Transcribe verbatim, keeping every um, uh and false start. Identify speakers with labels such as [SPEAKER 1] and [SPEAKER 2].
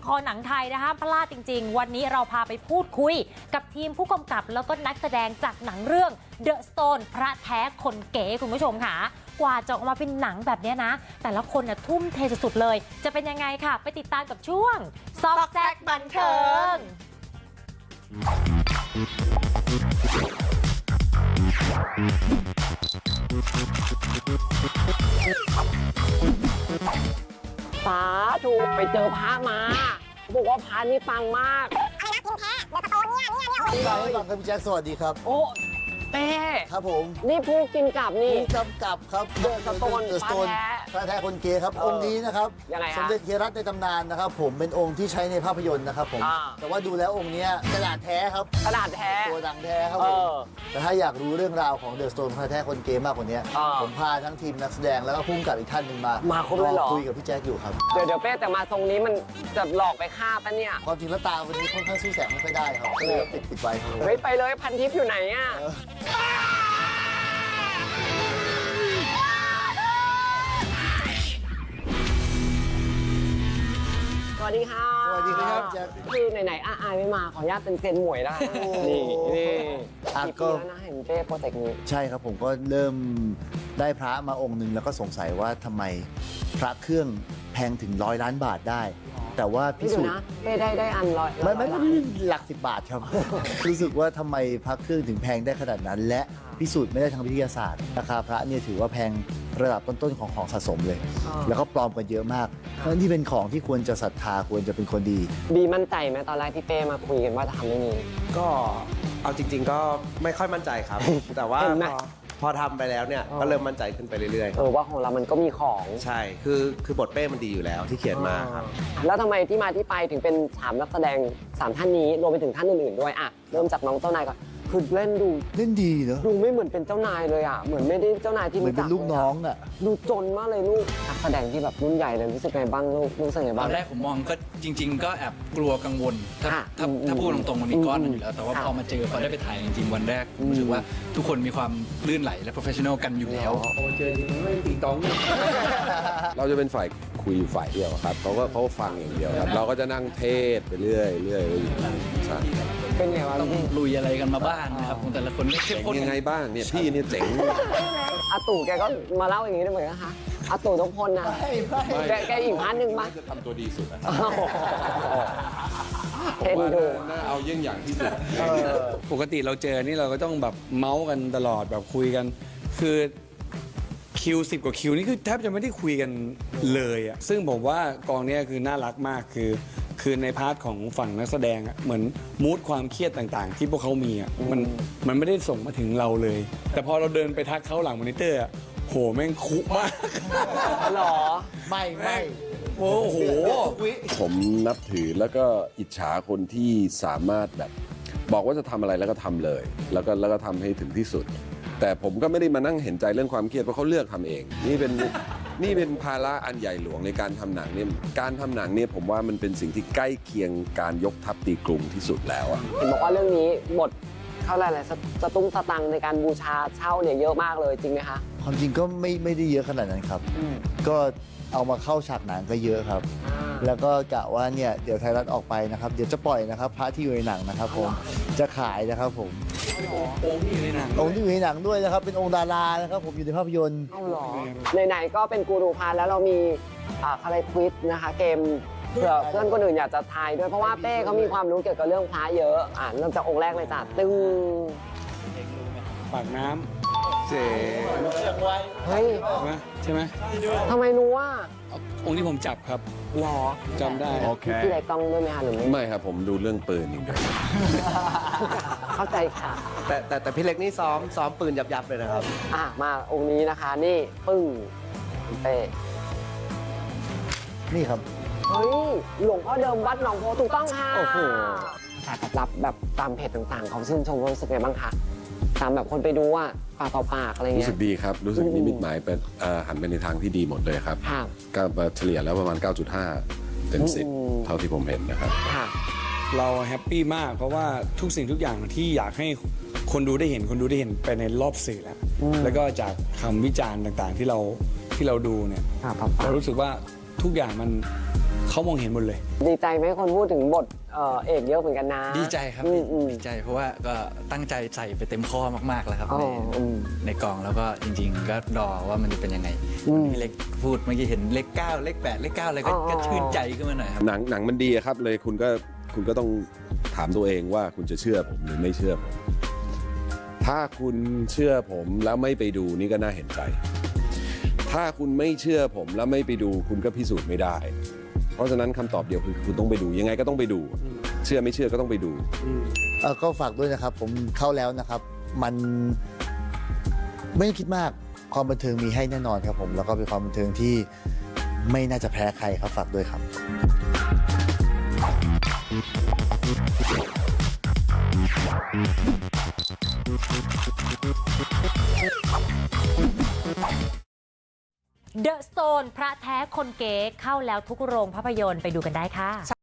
[SPEAKER 1] คอหนังไทยนะคะพลาดจริงๆวันนี้เราพาไปพูดคุยกับทีมผู้กำกับแล้วก็นักแสดงจากหนังเรื่อง The Stone พระแท้คนเก๋คุณผู้ชมค่ะกว่าจะออกมาเป็นหนังแบบนี้นะแต่ละคนน่ะทุ่มเทสุดๆเลยจะเป็นยังไงค่ะไปติดตามกับช่วงซอกแซกบันเทิง
[SPEAKER 2] สาธุไปเจอพระมาเขาบอกว่าพระนี่ปังมาก
[SPEAKER 3] อะไรนะพิมพ์แท้เดอะสโตนเนี่ยเนี่ยเนี่ยโอ้
[SPEAKER 4] พี่บอยครับพี่แจ็คสวัสดีครับ
[SPEAKER 2] โอ้เป้
[SPEAKER 4] ครับผม
[SPEAKER 2] นี่ผู้กินกับนี่
[SPEAKER 4] ผู้กำกับครับ
[SPEAKER 2] เดอะสโตน
[SPEAKER 4] เดอะสโตน
[SPEAKER 2] พระแท้
[SPEAKER 4] พระแท้คนเกย์ครับ
[SPEAKER 2] เออ
[SPEAKER 4] องค์นี้นะครับ
[SPEAKER 2] ยังไงฮะ
[SPEAKER 4] สมเด็จเฮียรัตน์ในตำนานนะครับผมเป็นองค์ที่ใช้ในภาพยนตร์นะครับผม
[SPEAKER 2] อ่า
[SPEAKER 4] แต่ว่าดูแล้วองค์เนี้ยกระดาษแท้ครับ
[SPEAKER 2] กระดาษแท้
[SPEAKER 4] ตัวดังแท้ครับ
[SPEAKER 2] เอ
[SPEAKER 4] ผม
[SPEAKER 2] อ
[SPEAKER 4] แต่ถ้าอยากรู้เรื่องราวของเดอะสโตนพระแท้คนเกย์มากกว่านี้
[SPEAKER 2] อ่า
[SPEAKER 4] ผมพาทั้งทีมนักแสดงแล้วก็พุ่งกับอีกท่านหนึ่งมา
[SPEAKER 2] มาครบเลยเหรอ
[SPEAKER 4] คุยกับพี่แจ็คอยู่ครับ
[SPEAKER 2] เดี๋ยวเดี๋ยวเป้แต่มาทรงนี้มันจะหลอกไปฆ่าปะเนี่ย
[SPEAKER 4] ความจริงแล้วตาวันนี้ค่อนข้างสู้แสงไม่ค่อยได้ครับก็เลยต้องปิดปิดไว้ครับ
[SPEAKER 2] เฮ้ยไปเลยพันทิพย์อยู่ไหนอ่ะ
[SPEAKER 4] เออ
[SPEAKER 2] สวัสดีค่ะ
[SPEAKER 4] สวัสดีครับแจ็ค
[SPEAKER 2] คือไหนๆอาอายไม่มาขออนุญาตเป็นเซนหมวยได้
[SPEAKER 4] โอ้
[SPEAKER 2] นี่นี่
[SPEAKER 4] อ่ะ
[SPEAKER 2] กี่
[SPEAKER 4] ก็
[SPEAKER 2] ปีแล้วนะเห็นเป้โปรเจกต์นี้
[SPEAKER 4] ใช่ครับผมก็เริ่มได้พระมาองค์หนึ่งแล้วก็สงสัยว่าทำไมพระเครื่องแพงถึงร้อยล้านบาทได้ แต่ว่าพิ
[SPEAKER 2] พี่ดู
[SPEAKER 4] สูจน์
[SPEAKER 2] นะเป้ได้ได้อันร้อย
[SPEAKER 4] ไม่ไม่
[SPEAKER 2] ร้
[SPEAKER 4] ไม่
[SPEAKER 2] อยล้าน
[SPEAKER 4] หลักสิบบาทครับ รู้สึกว่าทำไมพระเครื่องถึงแพงได้ขนาดนั้น และพิสูจน์ไม่ได้ทางวิทยาศาสตร์ราคาพระเนี่ยถือว่าแพงระดับต้นๆของของสะสมเลย แล้วก็ปลอมกันเยอะมากเพราะฉะนั้นที่เป็นของที่ควรจะศรัทธาควรจะเป็นคนดี
[SPEAKER 2] บีมั่นใจไหมตอนแรกที่เป้มาคุยกันว่าจะทำเรื่องนี้
[SPEAKER 5] ก็เอาจริง ๆ ก็ไม่ค่อยมั่นใจครับ แต่ว่า
[SPEAKER 2] เห็นไหม
[SPEAKER 5] พอพอทำไปแล้วเนี่ย
[SPEAKER 2] อ๋อ
[SPEAKER 5] ก็เริ่มมั่นใจขึ้นไปเรื่อย
[SPEAKER 2] เออว่าของเรามันก็มีของ
[SPEAKER 5] ๆ ใช่คือคือบทเป้มันดีอยู่แล้วที่เขียนมาครับ
[SPEAKER 2] แล้วทำไมที่มาที่ไปถึงเป็นสามนักแสดงสามท่านนี้รวมไปถึงท่านอื่นๆด้วยอ่ะเริ่มจากน้องเจ้านายก่อนคือเล่นดู
[SPEAKER 4] เล่นดีเนอะ
[SPEAKER 2] ดูไม่เหมือนเป็นเจ้านายเลยอ่ะเหมือนไม่ได้เจ้านายที่
[SPEAKER 4] เหมือน
[SPEAKER 2] รู้
[SPEAKER 4] เป็
[SPEAKER 2] จัก
[SPEAKER 4] นลูกน้องอ่ะ
[SPEAKER 2] ดูจนมากเลยลูกนักแสดงที่แบบรุ่นใหญ่เลยรู้สึกไงบ้างลูกรู้สึกไง
[SPEAKER 6] ต
[SPEAKER 2] บ้า
[SPEAKER 6] อง นแรกผมมองก็จริง ๆ ก็แอบกลัวกังวล ถ้า
[SPEAKER 2] ค่ะ
[SPEAKER 6] ถ้า
[SPEAKER 2] อืม
[SPEAKER 6] ถ้าพูดตรงๆมันมีก้อนมันอยู่แล้ว แต่ว่า
[SPEAKER 2] ค่ะ
[SPEAKER 6] พอมาเจอพอได้ไปถ่ายจริงๆวันแรกผมรู้สึกว่าทุกคนมีความลื่นไหลและ professional กันอยู่แล้ว
[SPEAKER 7] เราจะเป็นฝ่ายคุยอยู่ฝ่ายเดียวครับเขาก็เขาก็ฟังอย่างเดียวครับ เราก็จะนั่งเทศไปเรื่อยเรื่อยไปอยู่ใช่
[SPEAKER 2] เป็นไงวะ
[SPEAKER 6] ต้อง
[SPEAKER 2] พี่
[SPEAKER 6] ลุยอะไรกันมาบ้างนะครับของแต่ละคนก็เข้ม
[SPEAKER 7] เจ๋ง
[SPEAKER 6] ข้น
[SPEAKER 7] ยังไงบ้างเนี่ยพี่เนี่ยเจ๋ง
[SPEAKER 2] อาตู่แกก็มาเล่าอย่างนี้ได้เหมือนกันนะคะอาตู่ต้องพลนะแกแกอีกพันหนึ่งปะ
[SPEAKER 7] จะทำตัวดีสุดอะ
[SPEAKER 2] เอ็นดู
[SPEAKER 7] น่าเอาเยี่ยงอย่างที่สุด
[SPEAKER 8] ปกติเราเจอนี่เราก็ต้องแบบเมาส์กันตลอดแบบคุยกัน คือคิวสิบกว่าคิวนี่คือแทบจะไม่ได้คุยกันเลยอะซึ่งผมว่ากองเนี้ยคือน่ารักมากคือ คือในพาร์ทของฝั่งนักแสดงอะเหมือนมูดความเครียดต่างๆ ที่พวกเขามีอะมันมันไม่ได้ส่งมาถึงเราเลย แต่พอเราเดินไปทักเขาหลังมอนิเตอร์อะโหแม่งคุมาก
[SPEAKER 2] หรอ
[SPEAKER 4] ไม่ไม่
[SPEAKER 8] โอ้โห
[SPEAKER 7] ผมนับถือแล้วก็อิจฉาคนที่สามารถแบบ บอกว่าจะทำอะไรแล้วก็ทำเลย แล้วก็แล้วก็ทำให้ถึงที่สุด แต่ผมก็ไม่ได้มานั่งเห็นใจเรื่องความเครียดเพราะเขาเลือกทำเอง นี่เป็น นี่เป็นภาระอันใหญ่หลวงในการทำหนังเนี่ยการทำหนังเนี่ยผมว่ามันเป็นสิ่งที่ใกล้เคียงการยกทัพตีกรุงที่สุดแล้วอะ
[SPEAKER 2] เห็นบอกว่าเรื่องนี้บทเข้าอะไรๆสตุ้งสตังในการบูชาเช่าเนี่ยเยอะมากเลยจริงไหมคะ
[SPEAKER 4] ความจริงก็ไม่ไม่ได้เยอะขนาดนั้นครับ ก็เอามาเข้าฉากหนังก็เยอะครับ แล้วก็กะว่าเนี่ยเดี๋ยวไทยรัฐออกไปนะครับ เดี๋ยวจะปล่อยนะครับพระที่อยู่ในหนังนะครับผมจะขายนะครับผม
[SPEAKER 8] องค์ที่อยู่ในหนัง
[SPEAKER 4] องค์ที่อยู่ในหนังด้วยนะครับเป็นองค์ดารานะครับผมอยู่ในภาพยนตร์
[SPEAKER 2] เอาหรอไหนๆก็เป็นกูรูพาแล้วเรามีอ่าอะไรควิสนะคะ เกมเผื่อเพื่อนคนอื่นอยากจะทายด้วยเพราะว่าเป้เขามีความรู้เกี่ยวกับเรื่องพระเยอะอ่าเริ่มจากองค์แรกเลยจ้ะตึ้ง
[SPEAKER 8] ปากน้ำเจ๋
[SPEAKER 2] เฮ้ย
[SPEAKER 8] ใช่ไหมใช่ไหม
[SPEAKER 2] ทำไมรู้ว่า
[SPEAKER 8] องค์ที่ผมจับครับ
[SPEAKER 2] หรอ
[SPEAKER 8] จำได้
[SPEAKER 2] พี่ไรต้องด้วยไหมคะหรือไม่
[SPEAKER 7] ไม่ครับผมดูเรื่องปืนอย่างเดียว
[SPEAKER 2] เข้าใจค่ะ
[SPEAKER 5] แต่แต่แต่พี่เล็กนี่ซ้อมซ้อมปืนยับๆเลยนะครับ
[SPEAKER 2] อ่ะมาองค์นี้นะคะนี่ปึ้งคุณเป้
[SPEAKER 4] นี่ครับ
[SPEAKER 2] เฮ้ยหลวงพ่อเดิมวัดหนองโพถูกต้องค่ะ
[SPEAKER 5] โอ้โห
[SPEAKER 2] การตอบรับแบบตามเพจต่างๆ ของชื่นชมรู้สึกไงบ้างคะตามแบบคนไปดูอ่ะปากต่อปากอะไร
[SPEAKER 7] รู้
[SPEAKER 2] เงี้
[SPEAKER 7] สึ
[SPEAKER 2] ย
[SPEAKER 7] กดีครับ รู้สึกนิมิตหมายเป็นเอ่อหันไปในทางที่ดีหมดเลยครับ
[SPEAKER 2] ค่ะ
[SPEAKER 7] ก็เฉลี่ยแล้วประมาณ เก้าจุดห้า เต็มสิบ
[SPEAKER 2] อืม
[SPEAKER 7] เท่าที่ผมเห็นนะครับ
[SPEAKER 2] ค่ะ
[SPEAKER 8] เราแฮปปี้มากเพราะว่าทุกสิ่งทุกอย่างที่อยากให้คนดูได้เห็นคนดูได้เห็นไปในรอบสื่อแล้ว แล้วก็จากคำวิจารณ์ต่างๆที่เราที่เราดูเนี่ย
[SPEAKER 2] ค่ะปาก
[SPEAKER 8] เรารู้สึกว่าทุกอย่างมันเขามองเห็นหมดเลย
[SPEAKER 2] ดีใจไหมคนพูดถึงบทเอ่อเอกเยอะเหมือนกันนะ
[SPEAKER 6] ดีใจครับ
[SPEAKER 2] อืมอืม
[SPEAKER 6] ดีใจเพราะว่าก็ตั้งใจใส่ไปเต็มข้อมากๆแล้วครับ
[SPEAKER 2] อ๋อ
[SPEAKER 6] ใน
[SPEAKER 2] อืม
[SPEAKER 6] ในกองแล้วก็จริง ๆ ก็รอว่ามันจะเป็นยังไง
[SPEAKER 2] อืม
[SPEAKER 6] พี่เล็กพูดเมื่อกี้เห็นเลขเก้าเลขแปดเลขเก้าอะไรก็
[SPEAKER 2] อ๋อ
[SPEAKER 6] ก็ชื่นใจขึ้นมาหน่อยครับ
[SPEAKER 7] หนังหนังมันดีอะครับเลยคุณก็คุณก็ต้องถามตัวเองว่าคุณจะเชื่อผมหรือไม่เชื่อผม ถ้าคุณเชื่อผมแล้วไม่ไปดูนี่ก็น่าเห็นใจ ถ้าคุณไม่เชื่อผมแล้วไม่ไปดูคุณก็พิสูจน์ไม่ได้ เพราะฉะนั้นคำตอบเดียวคือคุณต้องไปดูยังไงก็ต้องไปดู เชื่อไม่เชื่อก็ต้องไปดู
[SPEAKER 4] เอ่อก็ฝากด้วยนะครับ ผมเข้าแล้วนะครับ มันไม่ต้องคิดมากความบันเทิงมีให้แน่นอนครับผม แล้วก็เป็นความบันเทิงที่ไม่น่าจะแพ้ใครครับฝากด้วยครับ
[SPEAKER 1] The Stone พระแท้คนเก๋เข้าแล้วทุกโรงภาพยนตร์ไปดูกันได้ค่ะ